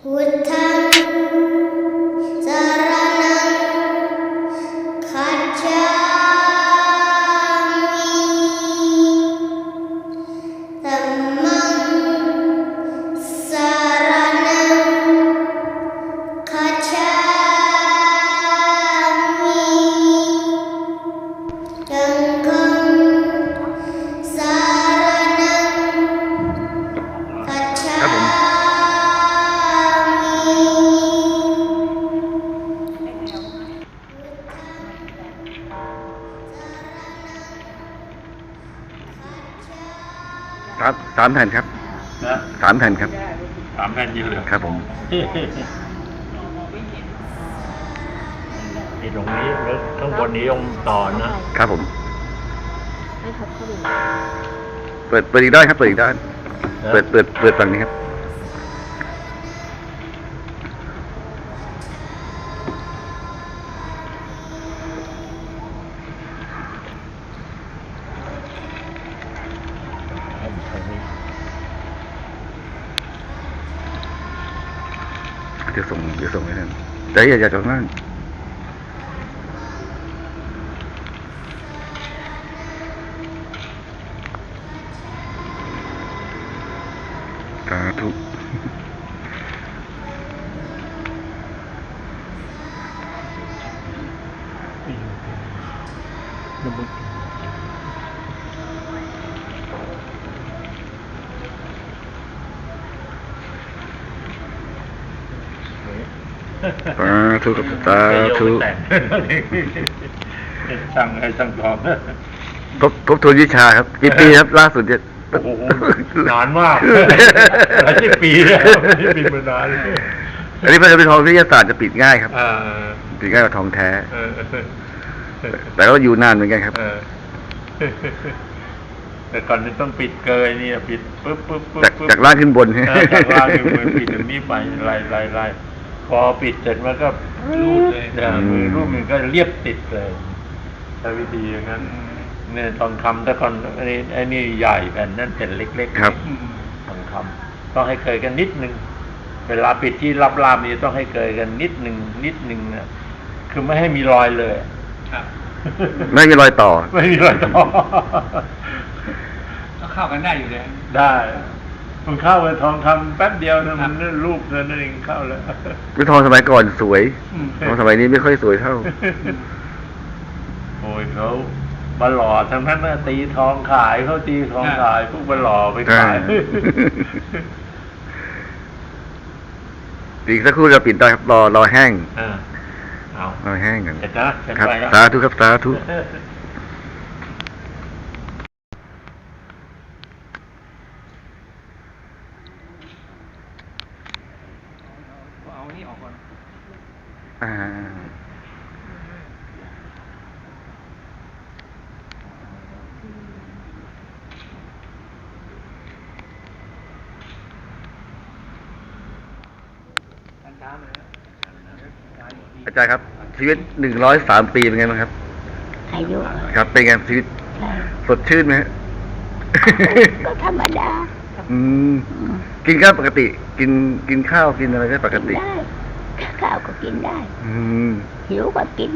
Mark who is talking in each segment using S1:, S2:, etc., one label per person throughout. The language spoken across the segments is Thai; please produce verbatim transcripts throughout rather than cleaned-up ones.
S1: พุทธังสรณังคัจฉามิธัมมังสรณังคัจฉามิสังฆังสรณังคัจฉา
S2: ครับผม สามสามแผ่นครับ
S3: นะ
S2: สามแผ่นครับ
S3: สามแผ่นยืนเหลือ
S2: ครับผม
S3: นี่ตรงนี้แล้วข้างบนนี้องค์ต่อนะครับ
S2: ผมเปิดเปิดอีกด้านครับ เปิดอีกด้าน เปิดเปิดเปิดฝั่งนี้ครับเดี๋ยวส่งเดี๋ยวส่งให้ท่านแต่อย่าอย่าจอดนั่งสาธุสาธุกับสาธุ
S3: สั่งให้สั่งทอง
S2: ทบทบทวนวิชาครับกี่ปีครับล่าสุดเนี่ย
S3: โอ้โหนานมากหลายสิบปีแล้วไม่ได้ปิดมานานเลย
S2: อันนี้พระเป็นทองวิทยาศาสตร์จะปิดง่ายครับ
S3: อ่า
S2: ปิดง่ายกว่าทองแท้
S3: เออ
S2: แต่ก็อยู่นานเหมือนกันครับ
S3: เออแต่ก่อนนี้ต้องปิดเกยเนี่ยปิดปุ๊บปุ๊บปุ๊บ
S2: จาก
S3: ปุ๊บ
S2: จากล่างขึ้นบน
S3: เออจากล่างขึ้นบนปิดตรงนี้ไปไล่ไล่ไล่พอปิดเสร็จมันก็รูดเลยเนี่ยมือรูปมันก็เรียบติดเลยใช้วิธีอย่างนั้นเนี่ยทองคำแต่ก่อนอันนี้ไอ้นี่ใหญ่แผ่นนั่นแผ่นเล็กๆ
S2: ครับ
S3: ทองคำต้องให้เคยกันนิดนึงเวลาปิดที่รับรามนี่ต้องให้เคยกันนิดนึงนิดนึงนะคือไม่ให้มีรอยเลยครับ
S2: ไม่มีรอยต่อ
S3: ไม่มีรอยต่อ
S4: ก็เข้ากันได้อยู่เลย
S3: ได้มันเข้าไปทองคำแป๊บเดียวนะมันนั่นรูปนั่นเองเข้าแล้ว
S2: วิทองสมัยก่อนสวย
S3: อืม
S2: ทองสมัยนี้ไม่ค่อยสวยเท่า
S3: โอ้ยเขามาหล่อทั้งนั้นนะตีทองขายเขาตีทองขายพวกมาหล่อไปขาย
S2: ใช่ อีกสักครู่จะปิดได้ครับรอรอแห้ง
S3: อ่าเอา
S2: รอแห้งกัน
S3: เสร็จนะเสร็จ
S2: ครับ
S3: ไปแล้ว
S2: สาธุครับสาธุ
S4: เอานี่ออกก่อน
S2: อ่าอาจารย์ครับ ชีวิตหนึ่งร้อยสามปีเป็นไงบ้างครับ
S5: อายุ
S2: ครับ เป็นไงชีวิตสดชื่นไหมฮะ
S5: ก็ธรรมดา
S2: อืมกินข้าวปกติ กินกินข้าวกินอะไรได้ปกติ
S5: ได้ข้าวก็กินได้
S2: อืม
S5: หิวก็กิน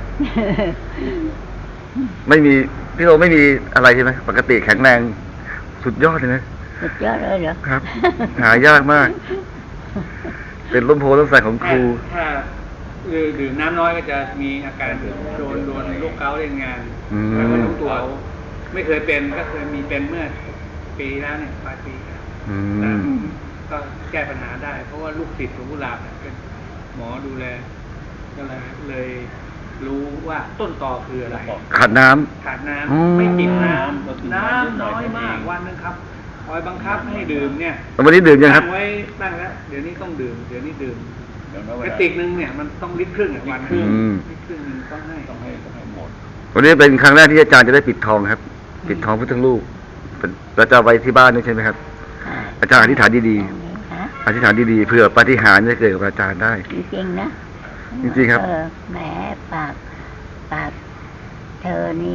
S2: ไม่มีพี่โอไม่มีอะไรใช่ไหมปกติแข็งแรงสุดยอดเลยนะ
S5: สุดยอดเลยเหรอ
S2: ครับ หายากมาก เป็นล้มโพล้มใส่ของครู
S4: ถ้าดื่มน้ำน้อยก็จะมีอาการโดนโดนโรคเกาต์เล่นงาน
S2: อืม
S4: แล้วก็รู้ตัวไม่เคยเป็นก็เคยมีเป็นเมื่อปีแล้วเนี่ยปลายปี
S2: อื
S4: นะ
S2: ม
S4: ก็แก้ปัญหาได้ เพราะว่าลูกศิษย์ของกุหลาบเนี่ยเป็นหมอดูแลก็เลยเลยรู้ว่าต้นตอคืออะไร
S2: ขาดน้ำ
S4: ขาดน้
S2: อืม
S4: ำไม่กินน้ำน้ำน้อยมากวันนึงครับคอยบังคับให้ดื่มเนี่ย
S2: วันนี้ดื่มยังครับ
S4: ตั้งไว้ตั้งแล้วเดี๋ยวนี้ต้องดื่มเดี๋ยวนี้ดื่มกระติกนึงเนี่ยมันต้องลิตรครึ่งอะวันครึ่ง
S2: อืม
S4: ลิตรครึ่งนึงต้องให้ต้องให้ต้องให้หมด
S2: วันนี้เป็นครั้งแรกที่อาจารย์จะได้ปิดทองครับ ปิดทองพุทธรูปเป็นเราจะเอาไว้ที่บ้านด้วยใช่ไหมครับ
S5: อ่า
S2: อาจารย์อธิษฐานดี
S5: ฮะ
S2: ๆอธิษฐานดีๆเผื่อปาฏิหาริย์จะเกิดกับอาจารย์ได้
S5: จริงๆนะ
S2: จริงๆครับ
S5: เออแหมปากปากเธอนี่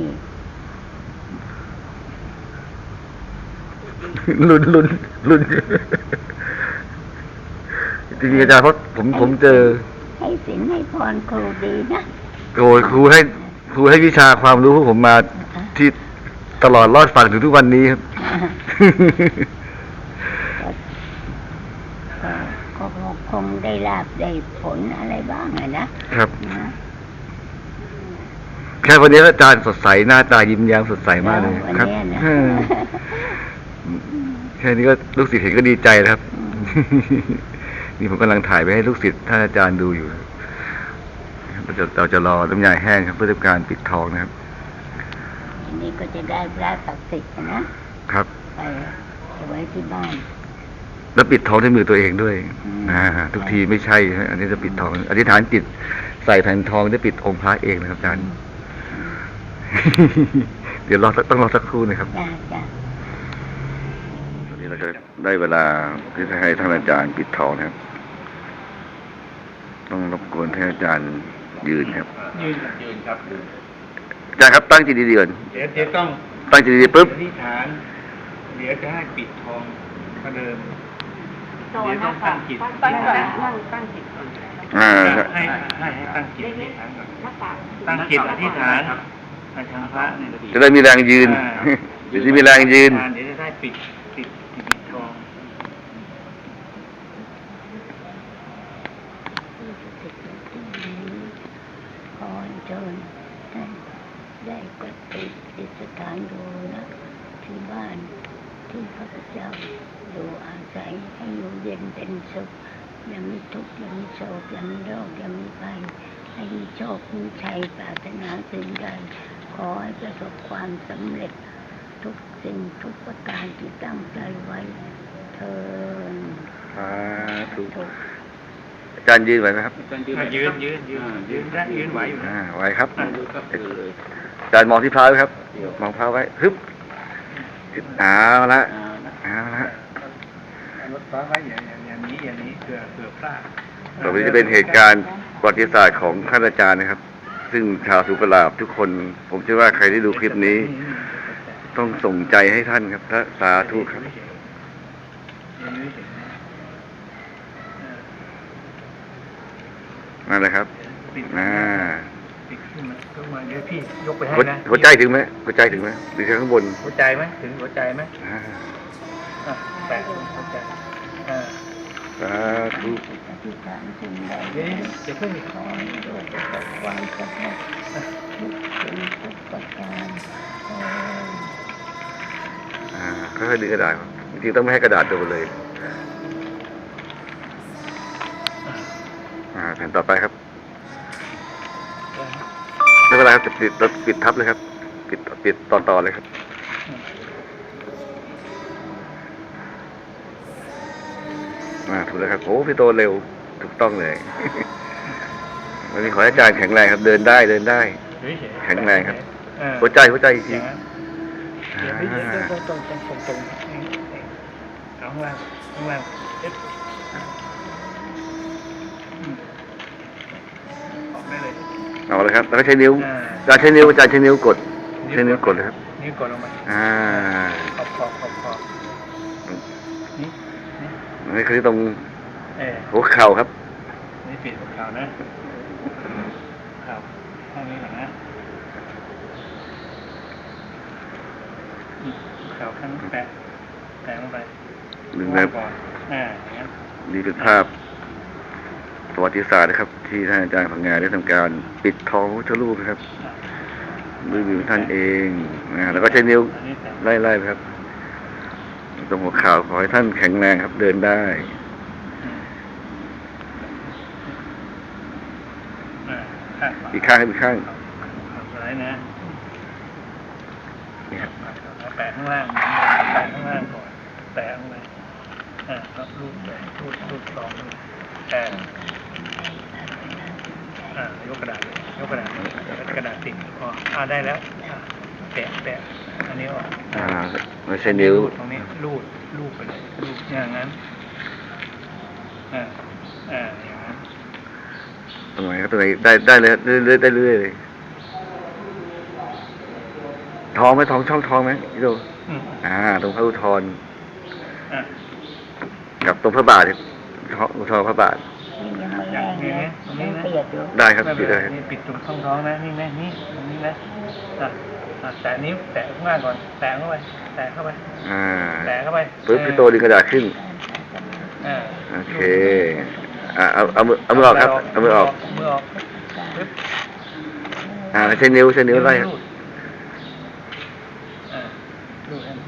S2: ลุ้นลุ้นลุ้นจริงๆอาจารย์เพราะผมผมเจอ
S5: ให้ศีลให้พรครูดีนะ
S2: โอ้ยครูให้ครูให้วิชาความรู้พวกผมมาที่ตลอดรอดฝั่งถึงทุกวันนี้ครับ
S5: ก็ก็คงได้ลาบได้ผลอะไรบ้างอะนะครับ นะ
S2: แค่วันนี้อาจารย์สดใสหน้าตายิ้มแย้มสดใสมากเลย
S5: วัน
S2: ครับ
S5: เนี้ยนะ
S2: อืมแค่นี้ก็ลูกศิษย์เห็นก็ดีใจแล้วครับ นี่ผมกำลังถ่ายไปให้ลูกศิษย์ท่านอาจารย์ดูอยู่เราจะเราจะรอน้ำยาแห้งครับเพื่อทำการปิดทองนะครับ
S5: อันนี้ก็จะได้พระศักดิ์สิทธิ์นะครับ ไปเอาไว้ที่บ้าน
S2: แล้วปิดทองด้วยมือตัวเองด้วย
S5: อืม
S2: อ่าทุกทีไม่ใช่ฮะอันนี้จะปิดทองอธิษฐานจิตใส่แผ่นทองได้ปิดองค์พระเองนะครับอาจารย์ เดี๋ยวรอสักต้องรอสักครู่นะครับ
S5: จ้าจ้า
S2: ตอนนี้เราจะได้เวลาที่จะให้ท่านอาจารย์ปิดทองนะครับ ต้องรบกวนท่านอาจารย์ยืนครับ
S4: ยืนยืนครับยืน
S2: อาจารย์ครับตั้งจิตดีๆก่อน
S4: เดี๋ยวเดี๋ยวต้อง
S2: ตั้งจิตดีๆปุ๊บ
S4: อธิษฐาน เดี๋ยวจะให้ปิดทองก็เดิมเดี๋ยวต้องตั้งจิต
S5: ตั้งนั่งตั้งจิตก่อน
S2: อ่า
S4: ให้ให้ให้ตั้งจิตอธิษฐานก่อนตั้งจิตอธิษฐานให้ทางพระเนี่ย
S2: จะได้มีแรงยืน เดี๋ยวจะมีแรงยืน
S4: เดี๋ยวจะได้ปิดปิดปิดทอง
S5: ขอเชิญท่านได้ปฏิสถานดูนะที่บ้านที่ข้าพเจ้าอยู่อาศัยให้อยู่เย็นเป็นสุขอย่ามีทุกข์อย่ามีโศกอย่ามีโรคอย่ามีภัยให้มีโชคมีชัยปรารถนาสิ่งใดขอให้ประสบความสำเร็จทุกสิ่งทุกประการที่ตั้งใจไว้เทิน
S2: สาธุ
S5: ทุก
S2: อาจารย์ยืนไหวไหมครับ
S4: อ่ะยืนยืนยืนยืนได้ยืนไหวอยู่นะ
S2: อ่าไหวครับ
S4: อ่ะดูครับดูเลย
S2: อาจารย์มองที่พระไว้ครับ มองพระไว้ฮึบเอาละเอาละ
S4: รถฟ้าไว้อย่างอย่างอย่างนี้อย่างนี้เผื่อเผื่อพลาด
S2: ต่อไปนี้จะเป็นเหตุการณ์ประวัติศาสตร์ของท่านอาจารย์นะครับ ซึ่งชาวสุกลาบทุกคน ผมเชื่อว่าใครที่ดูคลิปนี้ ต้องส่งใจให้ท่านครับพระสาธุครับ นั่นแหละครับอ่า
S4: ปิดขึ้นมาขึ้นมาเดี๋ยวพี่ยกไปให้
S2: หัว
S4: นะ
S2: หัวใจถึงไหมหัวใจถึงไหมหรือแค่ข้างบน
S4: หัวใจไหมถึงหัวใจไหม
S2: อ่า
S4: อ่ะแตะหัวใจอ่า
S2: สาธุ
S5: อธิษฐานสิ่งใด
S4: เดี๋ยวเดี๋ยวเพิ่ง
S5: ขอให้โลกประสบความสำเร็จทุกสิ่งทุกประการเอ่อ
S2: อ่าค่อยๆดึงกระดาษครับจริงๆต้องไม่ให้กระดาษโดนเลย อ่าแผ่นต่อไปครับไม่เป็นไรครับจะปิดเราปิดทับเลยครับ ปิดปิดต่อต่อเลยครับอ่าถูกแล้วครับโอ้พี่โตเร็วถูกต้องเลย วันนี้ขอให้อาจารย์แข็งแรงครับ เดินได้เดินได้ แข็งแรงครับ
S4: อ่า
S2: หัวใจหัวใจอีก
S4: อ
S2: ที
S4: ย่างนั้น
S2: อ่า
S4: เดี๋ยวไม่เดี๋ยวตรงตรงตรงตรงตรงเอาข้างล่างข้างล่างเอ๊ะอืมออกได้เลย
S2: เอาเลยครับแล้วก็ใช้นิ้ว
S4: อ่า
S2: อาจารย์ใช้นิ้วอาจารย์ใช้นิ้วกดใช้นิ้วกดเลยครับ
S4: นิ้วกดลงมา
S2: อ่า
S4: ขอบขอบขอบขอบนี่นี่
S2: นี่คือตรง
S4: เออ
S2: หัวเข่าครับ
S4: นี่ปิดหัวเข่านะเข่าข้างนี้หลังนะอืมหัวเข่าข้างนี้แปะแปะลงไป
S2: หนึ่งนะครับ
S4: ก่อนอ่าอย่างนั้น
S2: นี่เป็นภาพประวัติศาสตร์นะครับ ที่ท่านอาจารย์พังงาได้ทำการปิดทองพระพุทธรูปนะครับด้วยมือของท่านเองนะแล้วก็ใช้นิ้ว
S4: อันนี้แปะ
S2: ไล่ๆไปครับ ตรงหัวเข่าขอให้ท่านแข็งแรงครับ เดินได้
S4: อ่าข้างขวา
S2: อีกข้างให้อีกข้าง
S4: ข้างซ้ายนะ
S2: นี่ครับ
S4: แปะข้างล่างแปะข้างล่างก่อนแปะข้างในอ่าแล้วรูดไปรูดรูดลองดูอ่าอ่ายกกระดาษยกกระดาษกระดาษติดอ๋ออ่าได้แล้วอ่าแปะแปะอันนี้ออก
S2: อ่าไม่ใช่นิ้ว
S4: รูดตรงนี้รูดรูดไปเลยรูดอย่างนั้นอ่าอ่าอย่างนั้น
S2: ตรงไหนครับตรงไหนได้ได้เลยเรื่อยๆได้เรื่อยๆเลยทองไหมทองช่องทองไหมพี่โต
S4: อืม
S2: อ่า ตรงพระอุทธร
S4: อ่า
S2: กับตรงพระบาทเนี่ยทท้องทอพระบาท
S5: นี่ยังไม่แห้งนะยังเปียกอยู่
S2: ได้ครับ
S4: ไม่เป็
S2: พี่
S4: นไร
S2: ได้
S4: นี่ปิดตรงช่องท้องนะนี่นะนี่ตรงนี้นะอ่ะอ่ะแตะนิ้วแตะข้างล่างก่อนแตะเข้าไปแตะเข้าไป
S2: อ่า
S4: แตะเข้าไป
S2: ปึ๊บพี่โตดึงกระดาษขึ้น
S4: อ่า
S2: โอเค อ่าเอาเอามือเอามือออกครับ เอามือออก
S4: มือออกปึ๊บ
S2: อ่าใช้นิ้วใช้นิ้วไล่
S4: รูดอ่ารูดให้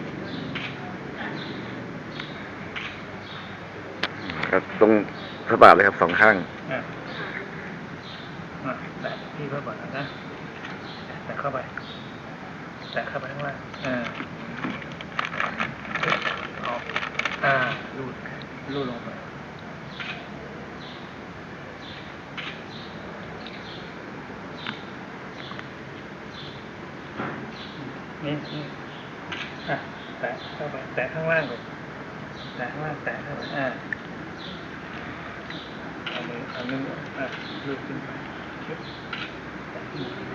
S2: ครับตรงพระบาทเลยครับสองข้าง
S4: อ่ะอ่ะแตะที่พระบาทนะแตะเข้าไปแตะเข้าไปข้างล่างอ่าออกอ่ารูดรูดลงไปนี่นี่อ่ะแตะเข้าไปแตะข้างล่างก่อนแตะข้างล่างแตะเข้าไปอ่าเอามือเอามืออ่ะลูบขึ้นไปชึบแตะขึ้นมา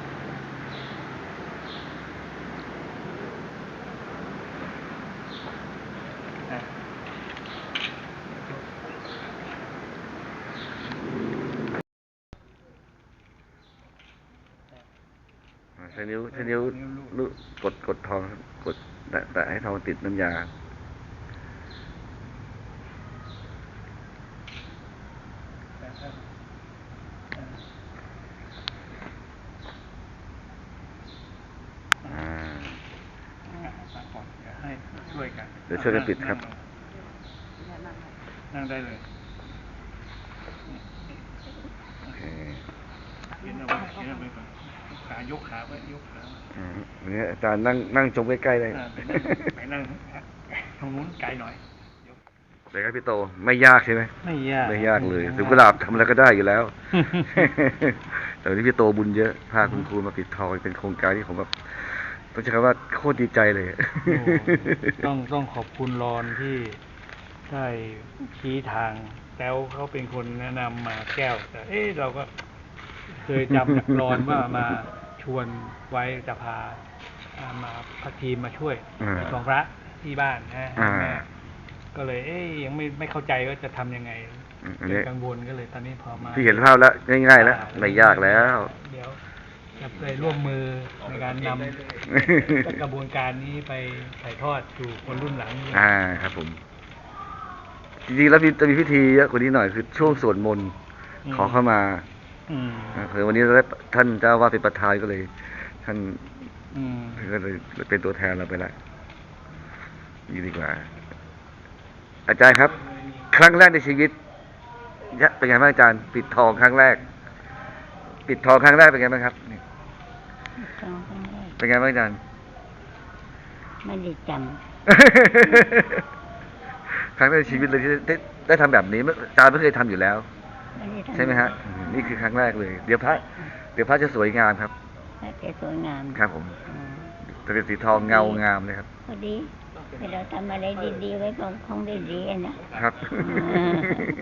S4: อ่ะ
S2: ใช้นิ้วใช้นิ้วลูกกดกดทองครับกดแตะแตะให้ทองติดน้ำยา
S4: แตะเข้าไปอ่ะ
S2: อ่า
S4: อ่ะฟังก่อนเดี๋ยวให้ช่วยกัน
S2: เดี๋ยวช่วยกันปิดครับ
S4: นั่งได้เลย
S2: โอเค
S4: เขียนเอาไว้เขียนเอาไว้ก่อนขายกขาไว้ยกขาไว้
S2: อืมวันนี้อาจารย์นั่งนั่งชมใกล้ๆเลย
S4: อ่าไปนั่งไปนั่งทางนู้นไกลหน่อยยก
S2: เลยครับพี่โตไม่ยากใช่ไหม
S4: ไม่ยาก
S2: ไม่ยากเลยถึงกุหลาบทำอะไรก็ได้อยู่แล้ว แต่วันนี้พี่โตบุญเยอะพาคุณครูมาปิดทองเป็นโครงการที่ผมแบบต้องใช้คำว่าโคตรดีใจเลย
S4: โอ้ต้องต้องขอบคุณรอนที่ได้ชี้ทาง แล้วเขาเป็นคนแนะนำมาแก้ว แต่เอ๊ะเราก็เคยจำจากรอนว่ามาชวนไว้จะพาอ่ามาพักทีมมาช่วย
S2: อ่า
S4: ของพระที่บ้านนะ
S2: อ่า
S4: แม่ก็เลย เอ๊ยยังไม่ไม่เข้าใจว่าจะทำยังไง
S2: อืมอัน
S4: เป็
S2: นี้
S4: นกังวลก็เลยตอนนี้พอมา
S2: พี่เห็นภาพแล้วง่ายๆแล้วไม่ยากแล้ว
S4: เดี๋ยวจะไปร่วมมือในการนำกระบวนการนี้ไปถ่ายทอดสู่คนรุ่นหลัง
S2: อ่าครับผม จริงๆแล้วจะมีพิธีเยอะกว่านี้หน่อยคือช่วงสวดมนต์ขอเข้ามา
S4: อืม
S2: อ่าเผื่อวันนี้เราได้ท่านเจ้าว่าเป็นประธานก็เลย ท่าน
S4: อืม
S2: ก็เลยเป็นตัวแทนเราไปละนี่ดีกว่า อาจารย์ครับ ครั้งแรกในชีวิตยะเป็นไงบ้างอาจารย์ ปิดทองครั้งแรก ปิดทองครั้งแรกเป็นไงบ้างครับนี่
S5: สองครั้งแรก
S2: เป็นไงบ้างอาจารย์
S5: ไม่ได้จ
S2: ครั้งแรกในชีวิตเลยที่ได้ได้ทำแบบนี้ไม่อาจารย์ไม่เคยทำอยู่แล้ว
S5: ำไม่ได้ทำ
S2: ใช่ไหมฮะอืมนี่คือครั้งแรกเลย เดี๋ยวพระ เดี๋ยวพระจะสวยงามครับ
S5: พระจะสวยงาม
S2: ครับผม
S5: อ๋อ
S2: จะเป็นสีทองเงางามเลยครับ
S5: พอดีให้เราทำอะไรดีๆไว้คงคงได้ดีอะนะครับ อืม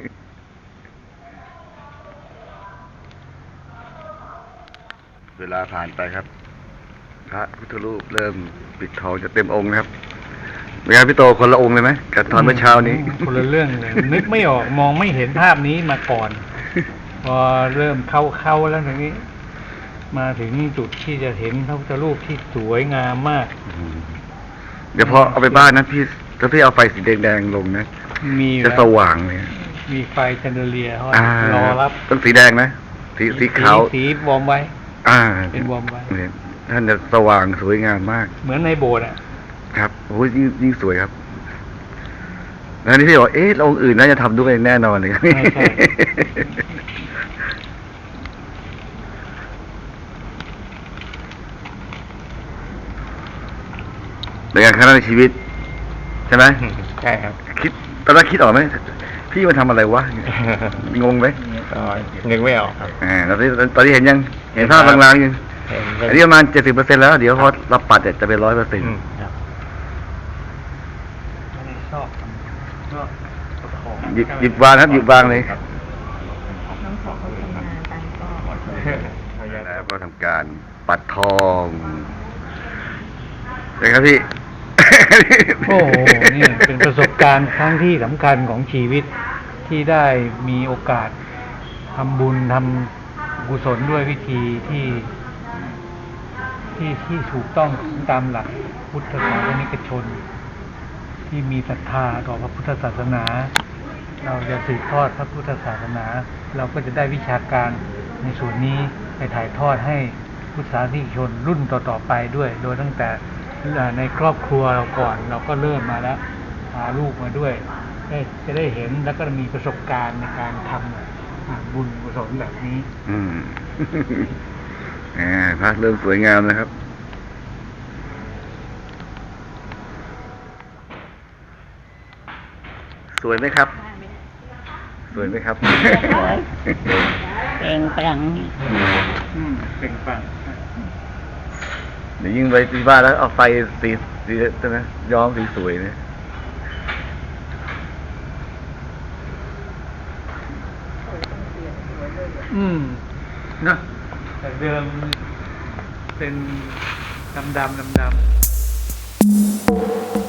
S2: เวลาผ่านไปครับ พระพุทธรูปเริ่มปิดทองจะเต็มองค์นะครับเป็นไงพี่โตคนละองค์เลยไหมกับตอนเมื่อเช้านี้
S4: คนละเรื่องเลย นึกไม่ออกมองไม่เห็นภาพนี้มาก่อน พอเริ่มเข้าเข้าแล้วทีนี้ มาถึงจุดที่จะเห็นพระพุทธรูปที่สวยงามมาก
S2: เดี๋ยวพอเอาไปบ้านนะพี่ถ้าพี่เอาไฟสีแดงๆลงนะ
S4: มีอยู่
S2: จะ
S4: แล้ว
S2: สว่างเลย
S4: มีไฟแชนเดอเลียร์เขา
S2: อ่าร
S4: อรับ
S2: ต้องสีแดงนะสีสีขาว
S4: สีวอร์มไว้
S2: อ่า
S4: เป็นวอร์มไว้
S2: เนี่ยท่านจะสว่างสวยงามมาก
S4: เหมือนในโบสถ์อ่ะ
S2: ครับโอ้ยยิ่งยิ่งสวยครับ แล้วนี่พี่บอกเอ๊ะองค์อื่นน่าจะทำด้วยแน่นอนเลย
S4: ไม่ใช่
S2: เป็นการครั้งแรกในชีวิต ใช่ไหม
S3: ใช่ครับ
S2: คิดตอนแรกคิดออกไหมพี่มาทำอะไรวะ งงไหม
S3: ก็นึกไม่ออกครับ
S2: อ่าตอนนี้ตอนนี้เห็นยังเห็นภาพลางๆยัง
S3: เห็น
S2: อันนี้ประมาณเจ็ดสิบเปอร์เซ็นต์แล้ว เดี๋ยวพอเราปัดเนี่ยจะเป็นร้อยเปอร์เซ็นต์
S3: อืมครับ
S4: ไม่ได้ชอบชอบประคอง
S2: หยิบหยิบวางครับหยิบวางเลย
S3: ครับ
S5: น้องขอเขาทำงานตังก็
S2: แล้วก็ทำการปัดทองเป็นครับพี่
S4: โอ้โหเนี่ยเป็นประสบการณ์ครั้งที่สำคัญของชีวิตที่ได้มีโอกาสทำบุญทำกุศลด้วยวิธีที่ที่ที่ถูกต้องตามหลักพุทธศาสนิกชน ที่มีศรัทธาต่อพระพุทธศาสนา เราจะสืบทอดพระพุทธศาสนา เราก็จะได้วิชาการในส่วนนี้ไปถ่ายทอดให้พุทธศาสนิกชนรุ่นต่อๆไปด้วย โดยตั้งแต่ในครอบครัวเราก่อนเราก็เริ่มมาแล้วพาลูกมาด้วยได้จะได้เห็นแล้วก็มีประสบการณ์ในการทำบุญกุศลแบบนี้
S2: อืม อ่าพระเริ่มสวยงามนะครับ สวยไหมครับ สวยไหมครับ
S5: เปล่งปลั่งนี่
S4: อืมเป็นฟัง
S2: เดี๋ยวยิ่งไปที่บ้านแล้วเอาไฟสีสีใช่ไหมย้อมสีสวยเนี่ย
S4: อืมนะแต่เดิมเป็นดำดำดำดำ